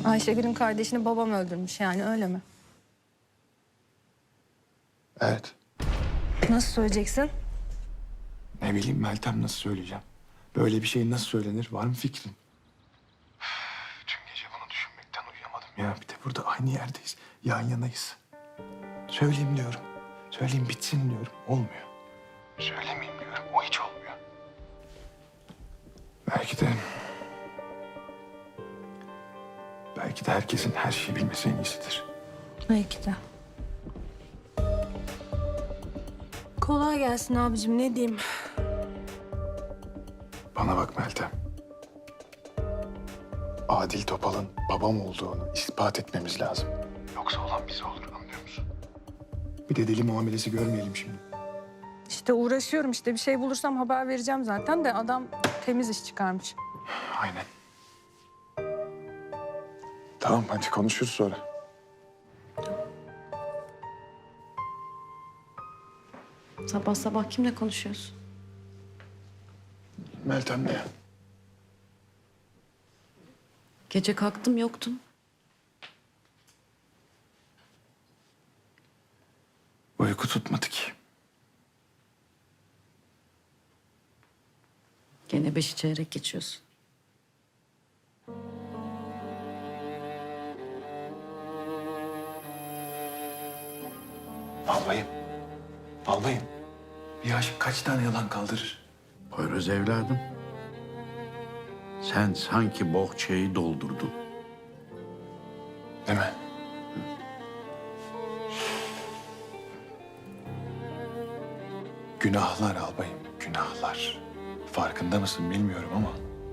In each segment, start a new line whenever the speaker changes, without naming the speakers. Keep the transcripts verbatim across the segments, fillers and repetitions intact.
Ayşegül'ün kardeşini babam öldürmüş yani, öyle mi?
Evet.
Nasıl söyleyeceksin?
Ne bileyim Meltem, nasıl söyleyeceğim? Böyle bir şey nasıl söylenir? Var mı fikrin? Tüm gece bunu düşünmekten uyuyamadım ya. Bir de burada aynı yerdeyiz. Yan yanayız. Söyleyeyim diyorum. Söyleyeyim bitsin diyorum. Olmuyor. Söylemeyeyim diyorum. O hiç olmuyor. Belki de... Belki de herkesin her şeyi bilmesi en iyisidir.
Belki de. Kolay gelsin abicim, ne diyeyim?
Bana bak Meltem. Adil Topal'ın babam olduğunu ispat etmemiz lazım. Yoksa olan bize olur, anlıyor musun? Bir de deli muamelesi görmeyelim şimdi.
İşte uğraşıyorum, işte bir şey bulursam haber vereceğim zaten de adam temiz iş çıkarmış.
Aynen. Tamam, hadi konuşuruz sonra.
Sabah sabah kimle konuşuyorsun?
Meltem ne?
Gece kalktım yoktun.
Uyku tutmadı ki.
Gene beşi çeyrek geçiyorsun.
Albayım. Albayım. Bir aşık kaç tane yalan kaldırır?
Poyraz evladım. Sen sanki bohçayı doldurdun.
Değil mi? Günahlar albayım, günahlar. Farkında mısın bilmiyorum ama...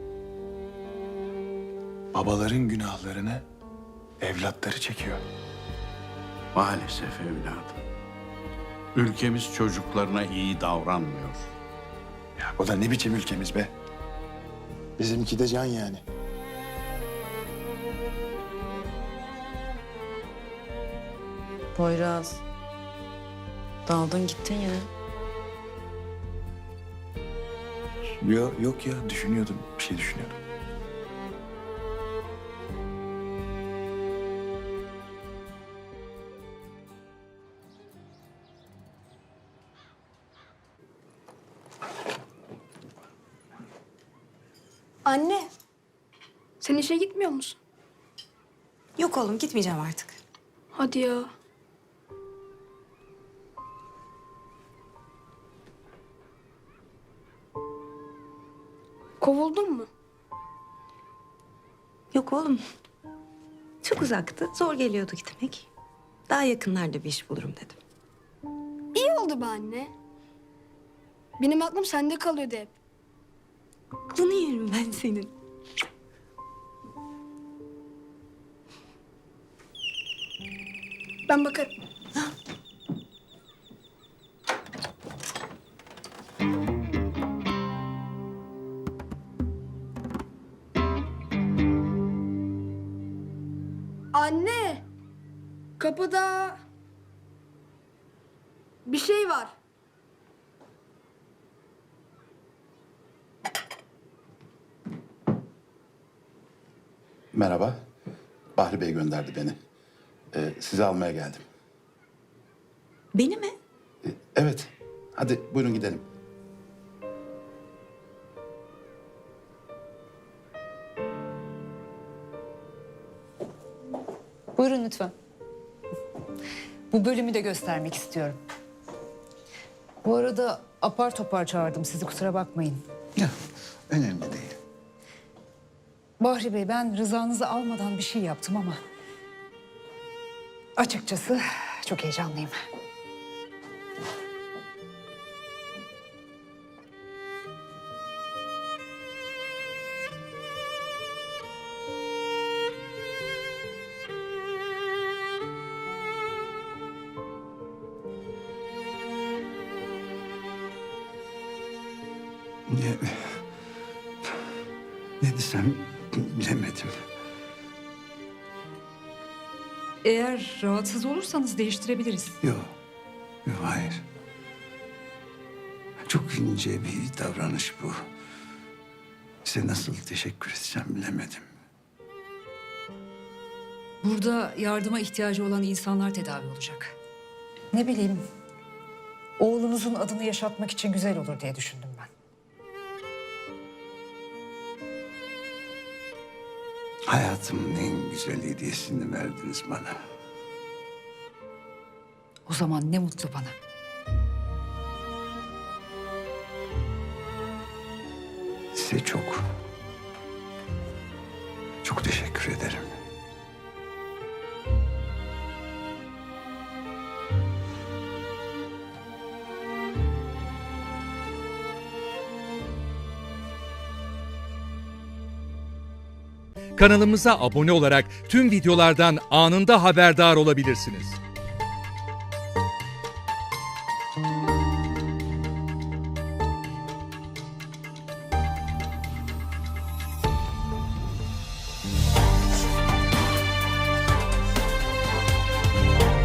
babaların günahlarını evlatları çekiyor.
Maalesef evladım. Ülkemiz çocuklarına iyi davranmıyor.
Ya o da ne biçim ülkemiz be? Bizimki de can yani.
Poyraz. Daldın gittin yine.
Yok, yok ya, düşünüyordum, bir şey düşünüyordum.
Anne, sen işe gitmiyor musun?
Yok oğlum, gitmeyeceğim artık.
Hadi ya. Kovuldun mu?
Yok oğlum. Çok uzaktı. Zor geliyordu gitmek. Daha yakınlarda bir iş bulurum dedim.
İyi oldu be anne. Benim aklım sende kalıyordu hep.
Aklını yerim ben senin.
Ben bakarım. Anne, kapıda bir şey var.
Merhaba. Bahri Bey gönderdi beni. Ee, sizi almaya geldim.
Beni mi?
Ee, evet. Hadi buyurun gidelim.
Buyurun lütfen. Bu bölümü de göstermek istiyorum. Bu arada apar topar çağırdım sizi, kusura bakmayın.
Ya, önemli değil.
Bahri Bey, ben rızanızı almadan bir şey yaptım ama... açıkçası çok heyecanlıyım.
Ne, ne desem bilemedim.
Eğer rahatsız olursanız değiştirebiliriz.
Yok, yok hayır. Çok ince bir davranış bu. Size nasıl teşekkür etsem bilemedim.
Burada yardıma ihtiyacı olan insanlar tedavi olacak. Ne bileyim, oğlunuzun adını yaşatmak için güzel olur diye düşündüm ben.
Hayatımın en güzel hediyesini verdiniz bana.
O zaman ne mutlu bana.
Size çok, çok teşekkür ederim.
Kanalımıza abone olarak tüm videolardan anında haberdar olabilirsiniz.